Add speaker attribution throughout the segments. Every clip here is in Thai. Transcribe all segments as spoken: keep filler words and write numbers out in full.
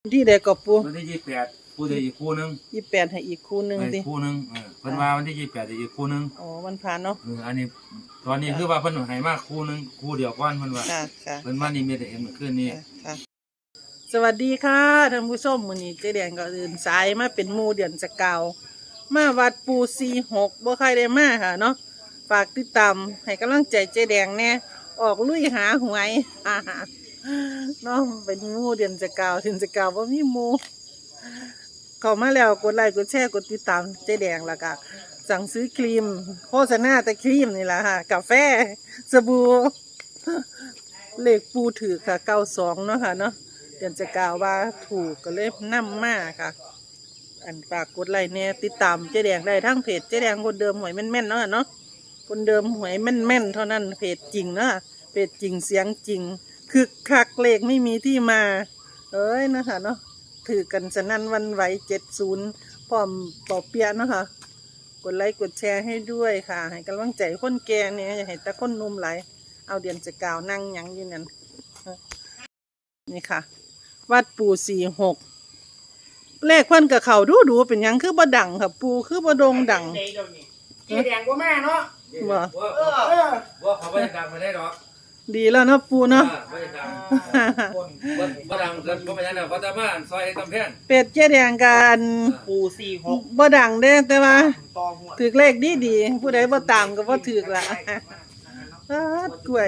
Speaker 1: ที่ใดก็ปู
Speaker 2: วันที่ยี่สิบแปดปูจะอีกคู่นึง
Speaker 1: ยี่สิบแปดให้อีกคู่หนึ่งดิ
Speaker 2: คู่นึงเออเพิ่นว่าวันที่ยี่สิบแปดจะอีกคู่นึง
Speaker 1: อ๋อวันผ่านเนาะ
Speaker 2: เอออันนี้ตอนนี้คือว่าเพิ่นให้มาคู่นึงคู่เดียวก่อนเพิ่นว่า
Speaker 1: ค่ะค่ะ
Speaker 2: เพิ่นว่านี่มีแต่เห็นเมื่อคืนนี้
Speaker 1: ค่ะสวัสดีค่ะท่านผู้ชมมื้อนี้เจ๊แดงก็ตื่นสายมาเป็นหมู่เดือนสกาวมาวัดปูสี่หกบ่ใครได้มาค่ะเนาะฝากติดตามให้กำลังใจเจ๊แดงแน่ออกลุยหาหวยเนาะเป็นหมู่เดือนสกาวเดือนสกาวบ่มีหมู่เข้ามาแล้วกดไลค์กดแชร์กดติดตามเจ๊แดงแล้วก็สั่งซื้อครีมโฆษณาแต่ครีมนี่แหละค่ะกาแฟสบู่เลขปูถือค่ะเก้าสองเนาะค่ะเนาะเดือนจะกล่าวว่าถูกก็เลยนำมาค่ะอันฝากกดไลค์เนี่ยติดตามเจ๊แดงได้ทั้งเพจเจ๊แดงคนเดิมหวยแม่นๆเนาะเนาะคนเดิมหวยแม่นๆเท่านั้นเพจจริงเนาะเพจจริงเสียงจริงคือคักเลขไม่มีที่มาเอ้ยนะคะเนาะถือกันสนั่นวันไหวเจ็ดศูนย์พร้อมปอเปียเนาะค่ะกดไลค์กดแชร์ให้ด้วยค่ะให้กำลังใจคนแก่เนี่ยอย่าให้แต่คนนุ่มไหลเอาเดือนจะกล่าวนั่งยังอยู่นั่นนี่ค่ะวัดปูสี่หกเลขเพิ่นกับเขาดูดูเป็นยังคือบ่ดังค่ะปูคือบ่โด่งดัง
Speaker 3: เจ๊แดงก็แม่เนาะ
Speaker 1: บ่
Speaker 2: เออบ่เขาบ่ได้ดังมาได้ดอก
Speaker 1: ดีแล้วเนาะปูเนาะ
Speaker 2: บ่ได้ดังบ่ดังเกินบ่เป็นหยังดอกเพราะแต่มาซอยกำแพง
Speaker 1: เป็ดเจ๊แดงกัน
Speaker 3: ปูสี่หก
Speaker 1: บ่ดังเด้แต่ว่าถือเลขดีดีผู้ใดบ่ตามก็บ่ถือละกล้วย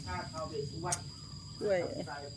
Speaker 1: กล้วย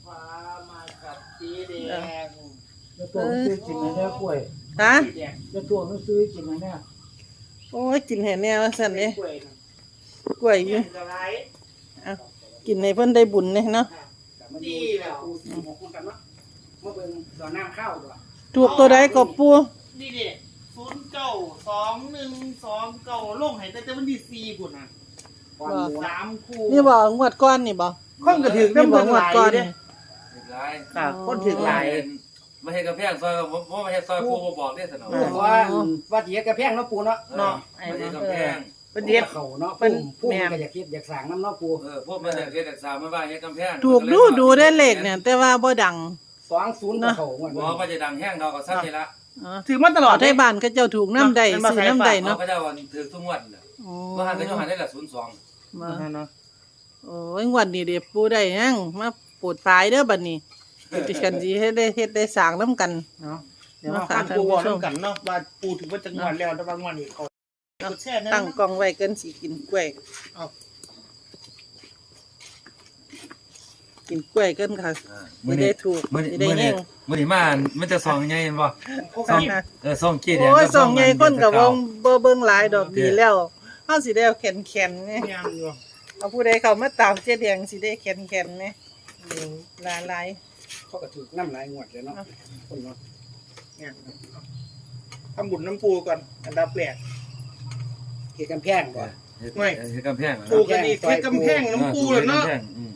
Speaker 3: จะตัวซื้อกินไหมเนี่ยกล้วย
Speaker 1: ฮะ
Speaker 3: จะตัวซื้อกินไหมเนี่ย
Speaker 1: โอ้ยกินแห่แนวสั่นเด้กล้วยอยู่อ่ะกินให้เพิ่นได้บุญเนี่ยเนาะ
Speaker 3: ดีแล้วปูสี่หกคุณกันเนาะมาเบิ่งดอกน้ำข้าวด้วย
Speaker 1: ถูกตัวใดก็ปู
Speaker 3: นี่ดิศูนย์เก้าสองหนึ่งสองเก้าลงให้แต่แต่วันที่สี่พุ่นน่ะสามคู่
Speaker 1: นี่บ่งวดก้อนนี่บ่
Speaker 3: คนก็ถึง
Speaker 1: นี่บ่งวดก้อนนี่
Speaker 3: ค่ะคนถึงหลาย
Speaker 2: มาเฮ็ดกำแพงซอยบ่บ่มาเฮ็ดซอยปูบ่บอกเด้ซั่นเนาะ
Speaker 3: ว่าว่าสิเฮ็ดกระแพงเนาะปูเนาะ
Speaker 2: เนาะไอ้กำแพง
Speaker 3: เป็นเฮ็ดเขาเนาะเป็นปูก็อยากเฮ็ดอยากสร้างนำเนาะปู
Speaker 2: เออพวกมันอยากเฮ็ดอยากสร้างมาว่าเฮ็ดกำแพง
Speaker 1: ถูกดูดูได้เลขเนี่ยแต่ว่าบ่ดัง
Speaker 3: สองศูนย์ก็เข้าว่า
Speaker 2: บ่ว่าจะดังแห้งดอกก็ซ้ํนี่ล่ะ
Speaker 1: ถือมาตลอดให้บ้านเขาเจ้าถูกนำได้ซื้อนำได้เนาะ
Speaker 2: เขาเจ้าถือทุกงวดน่ะบ่หันก็ยังหันได้ละศูนย์สอง
Speaker 1: มาเนาะโอ้ยงวดนี้เด้ปูได้ยังมาปวดตายเด้อบัดนี้ดิฉันสิเฮ็ดได้เฮ็ดได้สร้างนำกัน
Speaker 3: เนาะเดี๋ยวมาฟังปูว่านํกันเนาะว่าปูถึงว่าจังหวัดแล้วแต่ว่างวดนี้เขา
Speaker 1: ตั้งกล่องไว้เกินสิกินกล้วยเอากินกล้วยเกินค่ะไม่ได้ถูกไม่ได้แห้ง
Speaker 2: มื้อนี้มามันจะซองใหญ่เห็นบ่ซองเออซองกี้แดง
Speaker 1: โอ้ยซองใหญ่คนก็บ่บ่เบิ่งหลายดอกดีแล้วเฮาสิได้แข็งๆนี่เอาผู้ใดเข้ามาตามเจ๊แดงสิได้แข็งๆนี่หลาย
Speaker 3: ๆเขาก็ถูกนำหลายงวดเลยเนาะคนเนาะเนี่ยทำบุญน้ำปูก่อนอันดับแรกเฮ็ดกำแพงก่อน
Speaker 2: ไม่เฮ็ดกำแพง
Speaker 3: ปูกันนี่เฮ็ดกำแพงน้ำปูแล้วเนาะ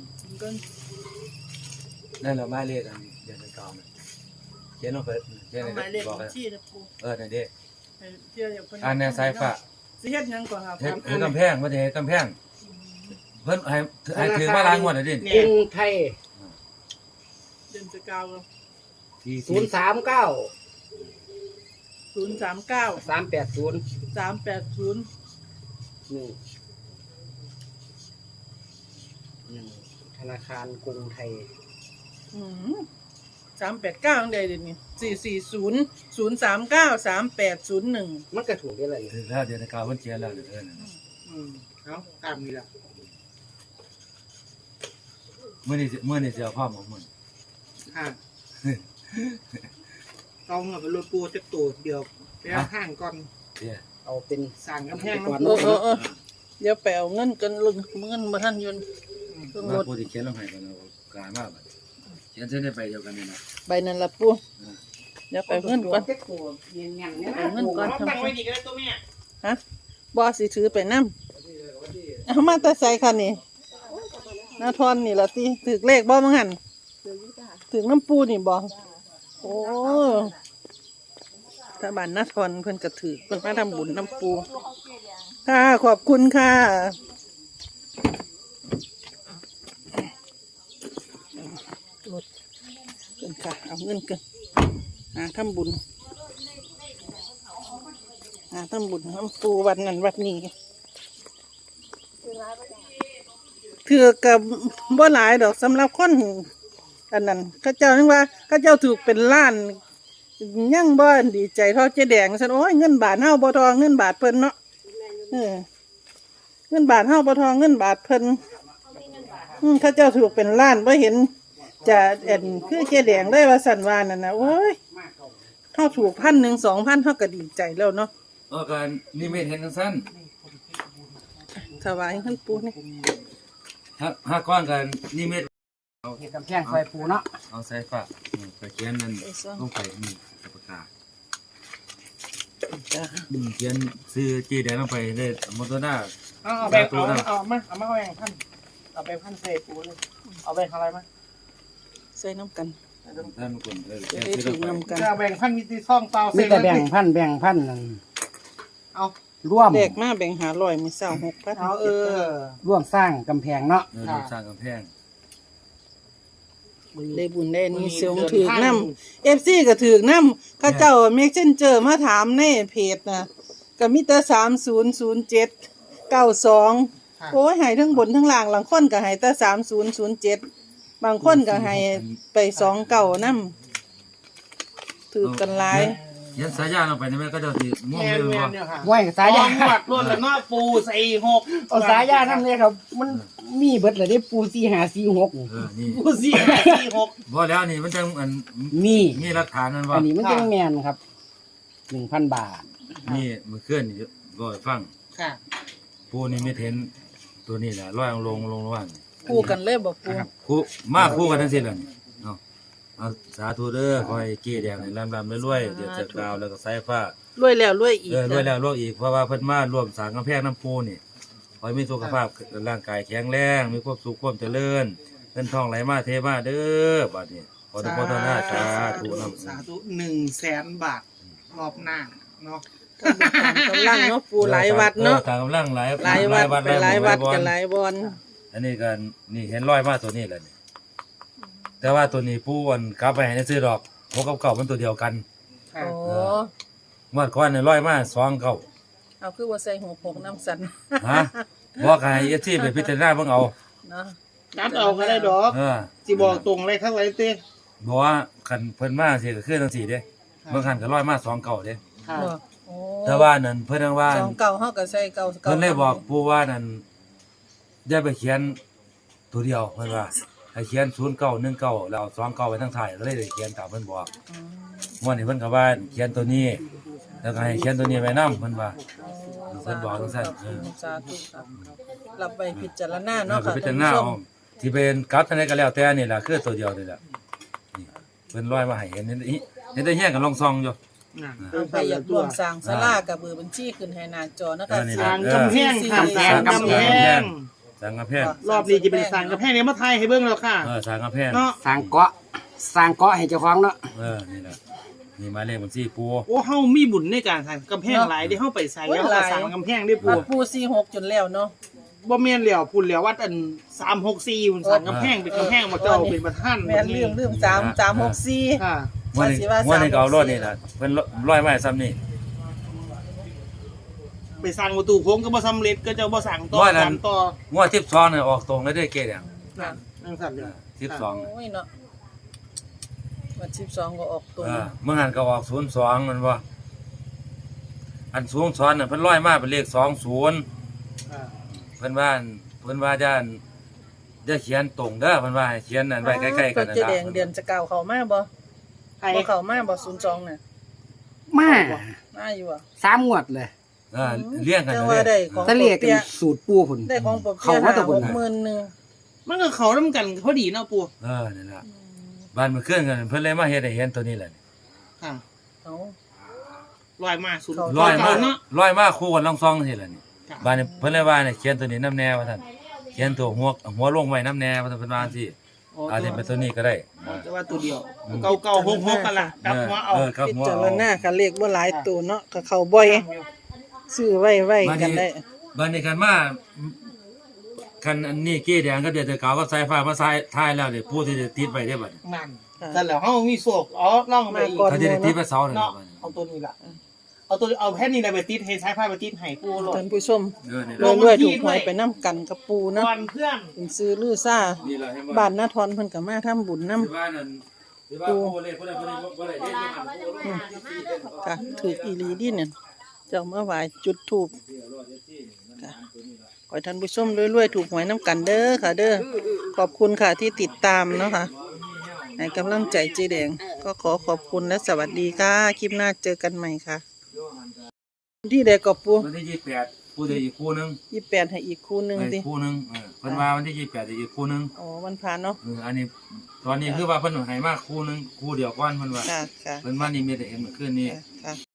Speaker 2: นั่นแหละหมายเลขอันเดือนเก่าน่ะเขียนลงไปเขียน
Speaker 1: หมายเลขบัญชีนะปู
Speaker 2: เออนั่นเด้
Speaker 1: อั
Speaker 2: นนี้สายฟ้า
Speaker 1: สิเฮ็ดหยังก่อนครับ
Speaker 2: เฮ็ดกำแพงบ่ได้เฮ็ดกำแพงเพิ่นให้ให้ถือมาล้างงวดน่ะดิ
Speaker 3: กรุงไทย
Speaker 1: เดือนจะเก้า
Speaker 3: ศูนย์สามเก้า
Speaker 1: ศูนย์สามเก้า
Speaker 3: สามแปดศูนย์
Speaker 1: สามแปดศูนย์
Speaker 3: นี่ธนาคารกรุงไทย
Speaker 1: สามแปดเก้าอังใดเดี๋ยวนี้สี่สี่ศูนย์ศูนย์สามเก้าสามแปดศูนย์หนึ่ง
Speaker 3: มันกระถูกได้เลย
Speaker 2: ถือแล้วเดือนเก่าเพิ่นเขียนแล้วเด้อ
Speaker 3: อืมเอาตามนี้ล่ะ
Speaker 2: มื้อนี้มื้อนี้สิเอาพร้อมของมึง
Speaker 3: ค่ะเอาเงินไปรถปูจักตัวเดียวไปเอาห้างก่อนเอาเป็นสร้างกำแพงก่อน
Speaker 1: เดี๋ยวไปเอาเงินกันลุงเงินบ่ทันยนต์
Speaker 2: รถปูที่เขียนลงให้กันเอากลายมาบัดเขียนเส้นได้ไปเดียวกันนี่นะ
Speaker 1: ใบนั้นล่ะปูเดี๋ยวไปเงินก่อนเอาเงินก่อน
Speaker 3: ทำไว้ดีก็ได้ตัวแม่
Speaker 1: ฮะบ่สิถือไปนำเอามาแต่ใส่คันนี่นาทอนนี่ล่ะติถึกเลขบ่มั้งหั่นถึกน้ำปูนี่บ่โอ้ถ้าบ้านนาทอนเพิ่นก็ถือเพิ่นมาทำบุญน้ำปูค่ะขอบคุณค่ะรถเกินค่ะเอาเงินเกินหาทำบุญหาทำบุญทำปูวันนั้นวัดนี้ถือกับบ่หลายดอกสำหรับคนอันนั้นเข้าเจ้านึกว่าเข้าเจ้าถูกเป็นล้านยังบ่ดีใจเท่าเจ๊แดงฉันโอ้ยเงินบาทเฮาบ่ทอเงินบาทเพิ่นเนาะเออเงินบาทเฮาบ่ทอเงินบาทเพิ่นอืมเข้าเจ้าถูกเป็นล้านบ่เห็นจะเอ็นคือเจ๊แดงเลยว่าสันวานั่นน่ะโอ้ยเฮาถูกพันหนึ่งสองพันเฮาก็ดีใจแล้วเนาะ
Speaker 2: เออการนิมิตเห็นจังซั่น
Speaker 1: ถวายท่านปู่นี่
Speaker 2: ถ้าถ้าก้อนกันนิมิต
Speaker 3: เห็ดกำแพงซอยปูเนาะ
Speaker 2: เอาใส่ฝานี่ไปเขียนนั่นลงไปนี่ปากกา
Speaker 1: จ้ะ
Speaker 2: อืมเขียนซื้อจีแดงลงไปเลยมอเตอร์หน้า
Speaker 3: เอาเอาแบบเอาเอามาเอามาเอาแบ่งพันเอาไปพันใส่ปูเลยเอาแบ่งอะไรมา
Speaker 1: ใส่น้ำกัน
Speaker 2: ท่านคนเออ
Speaker 1: จะ
Speaker 2: เขียน
Speaker 1: ได้
Speaker 2: ซื้อล
Speaker 1: ถึ
Speaker 2: ง
Speaker 1: ง
Speaker 2: ไป
Speaker 1: น้ำกัน
Speaker 3: เอาแบ่งพันมีที่ช่องเปล่า
Speaker 4: มีแต่แบ่งพันแบ่งพันนั่น
Speaker 3: เอา
Speaker 4: ร่วม
Speaker 1: แบกมาแบ่งหาร้อยมีเศร้าหกพัน
Speaker 3: เอาเออ
Speaker 4: ร่วมสร้างกำแพงเนาะ
Speaker 2: เออสร้างกำแพง
Speaker 1: ได้บุญได้นี่เสียงถือกน้ำเอฟซีก็ถือกน้ำข้าเจ้าเมกเช่นเจอมาถามในเพจนะก็มีแต่สามศูนย์ศูนย์เจ็ดเก้าสองโอ้ยใหายทั้งบนทั้งล่างบางคนก็ใหายแต่สามศูนย์ศูนย์เจ็ดบางคนก็ใหายไปสองเก่าน้ำถือกันหลาย
Speaker 2: เขียนสายยางลงไปนี่แม่ก็จะสิม่วง
Speaker 3: แม
Speaker 2: เลย
Speaker 3: นแม
Speaker 2: ว่าน
Speaker 3: เนี่ยค่ะ
Speaker 4: ไว้สายยา
Speaker 3: หวัดล้วนแล้วเนาะปูใส่หก
Speaker 4: เอาสายยาทำเลยครับ มันมีเบิดเลยได้ปูสี่หาสี่หก
Speaker 2: เออนี่
Speaker 3: ปูสี่สี่หก
Speaker 2: บ่แล้วนี่มันจังอัน
Speaker 4: มี
Speaker 2: มีหลักฐานนั่น
Speaker 4: อั
Speaker 2: ว่าน
Speaker 4: นี้มันจังแมนครับหนึ่งพันบาท
Speaker 2: นี่มือเคลื่อนนี่บ่ให้ฟัง
Speaker 3: ค่ะ
Speaker 2: ผู้นี่ไม่เห็นตัวนี้แหละร้อยลงลงระหว่าง
Speaker 1: คู่กันเลยบอกปู
Speaker 2: คู่มาคู่กันทั้งสิ้นเลยนี่เนาะเอาสาธุเด้อคอยเกี้แดงนี่ลำๆรวยๆเดี๋ยวจะกาวแล้วก็สายฟ้าร
Speaker 1: วยแล้วรวยอีก
Speaker 2: เออรวยแล้วรวยอีกเพราะว่าเพิ่นมาร่วมสร้างกำแพงน้ำปูนี่ขอให้มีสุขภาพร่างกายแข็งแรงมีความสุขความเจริญเงินทองไหลมาเทมาเด้อบัดนี้ขอทุกคนทุกท่านสาธุนำ
Speaker 3: สาธุหนึ่งแสนบาทรอบหน้าเนาะ
Speaker 1: กำลังเนาะปูหลายวัดเนาะ
Speaker 2: ออทางกำลังหลาย
Speaker 1: หลายวัดไปหลายวัด
Speaker 2: หมู่
Speaker 1: กันหลายบอน
Speaker 2: อันนี้ก็นี่เห็นร้อยมาตัวนี้แหละนี่แต่ว่าตัวนี้ปูอันกลับไปให้ในซื้อดอกพวกกับเก่ามันตัวเดียวกัน
Speaker 3: ค่ะ
Speaker 1: โอ้
Speaker 2: งวดก่อนนี่ร้อยมาสองเก่า
Speaker 1: เอาคือว่าใส่หัวผงน้ำสัน
Speaker 2: ฮะบอกให้เอฟซีไปพิจารณาเบิ่งเอา
Speaker 1: เนาะ
Speaker 3: นัดเอาก็ได้ดอก
Speaker 2: เออ
Speaker 3: สิบอกตรงเลยทั้งไรเต้
Speaker 2: บอกว่าคันเพิ่นมาสิก็คือจังซี่เด้เบิ่งคันก็ร้อยมาสองเก่าเด้
Speaker 3: ค่ะ
Speaker 1: บอกโอ้
Speaker 2: แต่ว่านั่นเพิ่นว่า
Speaker 1: สองเก่าเฮาก็ใส่เก่าเก่า
Speaker 2: เพิ่นเลยบอกปูว่านั่นอย่าไปเขียนตัวเดียวเพิ่นว่าให้เขียนศูนย์เก้าหนึ่งเก้าแล้วเอาสองเก้าไว้ทั้งท้ายก็เลยได้เขียนตามเพิ่นบอก
Speaker 1: อืม
Speaker 2: ม่วนนี่เพิ่นก็ว่าเขียนตัวนี้ แล้วก็ให้เขียนตัวนี้ไว้นำเพิ่นว่า เพิ่นบอกจังซั่นเออ
Speaker 1: สาธุครับรับไปพิจารณา
Speaker 2: เนาะ
Speaker 1: เนาะ
Speaker 2: ก็
Speaker 1: ค่ะ
Speaker 2: พิจา
Speaker 1: ท่าร น
Speaker 2: ณา
Speaker 1: ผู้ช
Speaker 2: เอา
Speaker 1: ม
Speaker 2: ที่เป็นกัดอันใดก็แล้วแต่นี่ล่ะคือตัวเดียวนี่ล่ะนี่เพิ่นร้อยมาให้เห็นนี่เห็นได้เฮียงกันลองซองอยู่
Speaker 3: น่ะ
Speaker 1: เอาไปอยากร่วมสร้างศาลากับเบอร์บัญชีขึ้นให้หน้าจอนะคะ
Speaker 2: เออนี่
Speaker 3: สร้า
Speaker 2: ล่ะ
Speaker 3: งกำแพงค่ะสร้างกำแพง
Speaker 2: สร้างกำแพง
Speaker 3: รอบนี้จะเป็นสร้างกำแพงเนี่ยมาไทยให้เบิ่งแล้วค่ะ
Speaker 2: เออสร้างกำแพง
Speaker 3: เนาะ
Speaker 4: สร้างเกาะสร้างเกาะให้เจ้าของเนาะ
Speaker 2: เออนี่ล่ะนี่หมายเลขบัญชีปู
Speaker 3: โอ้เฮามีบุญในการสร้างกำแพงหลายที่เฮาไปใส่แล้วก็สร้างกำแพงได้ปู
Speaker 1: วัดปูสี่หกจนแล้วเนาะ
Speaker 3: บ่แม่นแล้วพุ่นแล้ววัดอันสามหกสี่พุ่นสร้างกำแพงเป็นกำแพงบ่เจ้าเป็นประธาน
Speaker 1: แม่นลืมลืมสามสามหกสี่
Speaker 3: ค่ะ
Speaker 2: งวันนี้งวันนี้ก็เอารถนี่ล่ะเพิ่นร้อยไม้ซ้ำนี่
Speaker 3: ไปสร้างประตูโค้งก็บ่สำเร็จก็เจ้าบ่สร้างต่อ
Speaker 2: ว่านั้น
Speaker 3: สานต่อง
Speaker 2: วดสิบสองนี่ออกตรงเลยเด้อเกดอย่าง
Speaker 3: นั่นนั่นสั่นเลย
Speaker 2: สิบสอง
Speaker 1: โอ้ยเนาะวันสิบสองก็ออกตัว
Speaker 2: เออเมื่อหันก็ออกศูนย์สองมันว่าอันสูงซ้อนน่ะเพิ่นร้อยมาเป็นเลขสองศูนย์
Speaker 3: อ่า
Speaker 2: เพิ่นว่าเพิ่นว่าจะจะเขียนตรงเด้อเพิ่นว่าให้เขียนนั่นไว้ใกล้ๆกัน
Speaker 1: ก็
Speaker 2: นั่น
Speaker 1: จะ
Speaker 2: ล่ะ
Speaker 1: แดงเดือนจะเก่าเขามาบ่
Speaker 3: ใคร
Speaker 1: บ่เขามาบ่ศูนย์สองน่ะ
Speaker 4: มา
Speaker 1: มาอยู่อ่ะ
Speaker 4: สามงวดเลย
Speaker 2: เออเลี้ยงกัน
Speaker 1: แต่
Speaker 2: เล
Speaker 1: ว่าย ได้ของ
Speaker 4: ทะเลกัน
Speaker 1: ปีย
Speaker 4: สูตรปูพุ่น
Speaker 1: ได้ของปอบเปี
Speaker 4: เขา
Speaker 1: ย
Speaker 4: ว่า
Speaker 1: ห้า
Speaker 4: แตะ
Speaker 1: ห
Speaker 4: พุ่น
Speaker 1: ก
Speaker 4: น่ะ
Speaker 1: หมื่นหนึ่ง
Speaker 3: มันก็เขานำกันพอดีเนาะปู่
Speaker 2: เออนั่นล่ะบ้านมันเคลื่อนกันเพิ่นเลยมาเฮ็ดให้เห็นตัวนี้แหละ
Speaker 3: ค่ะ
Speaker 1: เขา
Speaker 3: ลอยมาสุด
Speaker 1: เขา
Speaker 2: ร้อยมา
Speaker 3: เนาะ
Speaker 2: ร้อยมาคู่กันลองซองนี่แหละนี่
Speaker 3: ค่ะ
Speaker 2: บ้านนี้เพิ่นเลยว่าเนี่ยเขียนตัวนี้น้ำแน่ว่าท่านเขียนตัวหัวหัวลงไว้น้ำแน่ว่าท่านเพิ่นว่าจังซี่
Speaker 3: โอ้
Speaker 2: อาจจะเป็นตัวนี้ก็ได้
Speaker 3: แต่ว่าตัวเดียวเก่าเก่าหกหกกันละกลับหัวเอา
Speaker 2: เออครับ
Speaker 1: พิ
Speaker 2: หัว
Speaker 1: จาร
Speaker 2: เอา
Speaker 1: ณาคันเลขบ่หลายตัวเนาะก็เข้าบ่อยซื้อไว้ไว้กันได้
Speaker 2: บ้านนี้กันมาคันอันนี้เกี้แดงก็เดือดแต่เก่าก็สายฟ้ามาสายท้ายแล้วเดี๋ยวผู้ที่จะติดไว้ได้บัดนี้
Speaker 3: นั่น
Speaker 1: ค่ะ
Speaker 3: แต่แล้วเฮามีโศกอ๋อล่องไปอีก
Speaker 1: มาก่อน
Speaker 2: เขาจะได้ตีไปเสาเนี่ย
Speaker 3: เนาะเอาตัวนี้ล่ะเอาตัวเอาแผ่นนี้ไปติดให้สายไฟไปติดให้ปูโลด
Speaker 1: ท่านผู้ชม
Speaker 2: เออนี่
Speaker 1: ร
Speaker 2: ล่ะ
Speaker 1: วยรวยถูกหวยไปน้ำกันกับปูนะ
Speaker 3: ก่อนเพื่อน
Speaker 1: เป็นซื้อลือซ่า
Speaker 2: นี่ล่ะเห็นบ่
Speaker 1: บ้านนาทอนเพิ่นก็มาทำบุญน้
Speaker 2: ที่บ้านนั่นที่บ้านโอ้เลยบ่ได้บ่ได้บ่ได้เฮ็ดอยู่หั่นโอ้ลง
Speaker 1: ำค่ะถืออีหลีดิเนี่ยเจ้ามาไหว้จุดธูปค่ะขอให้ท่านผู้ชมรวยๆถูกหวยน้ำกันเด้อค่ะ เด้อขอบคุณค่ะที่ติดตามเนาะค่ะให้กำลังใจเจ๊แดงก็ขอขอบคุณและสวัสดีค่ะคลิปหน้าเจอกันใหม่ค่ะ ที่ใดก็ปู
Speaker 2: วันที่ยี่สิบแปดผู้ใดอีกคู่หนึง
Speaker 1: ยี่สิบแปดให้อีกคู่หนึง
Speaker 2: อี
Speaker 1: สิ
Speaker 2: กคู่หนึงเออเพิ่นว่าวันที่ยี่สิบแปดอีกคู่หนึง
Speaker 1: อ๋อวันผ่านเนาะ
Speaker 2: เอออันนี้ตอนนี้คือว่าเพิ่นให้มาคู่หนึงคู่เดียวก่อนเพิ่นว่า
Speaker 1: ค่ะค่ะ
Speaker 2: เพิ่นว่านี่มีแต่เห็นเมื่อคืนนี้
Speaker 1: ค่ะ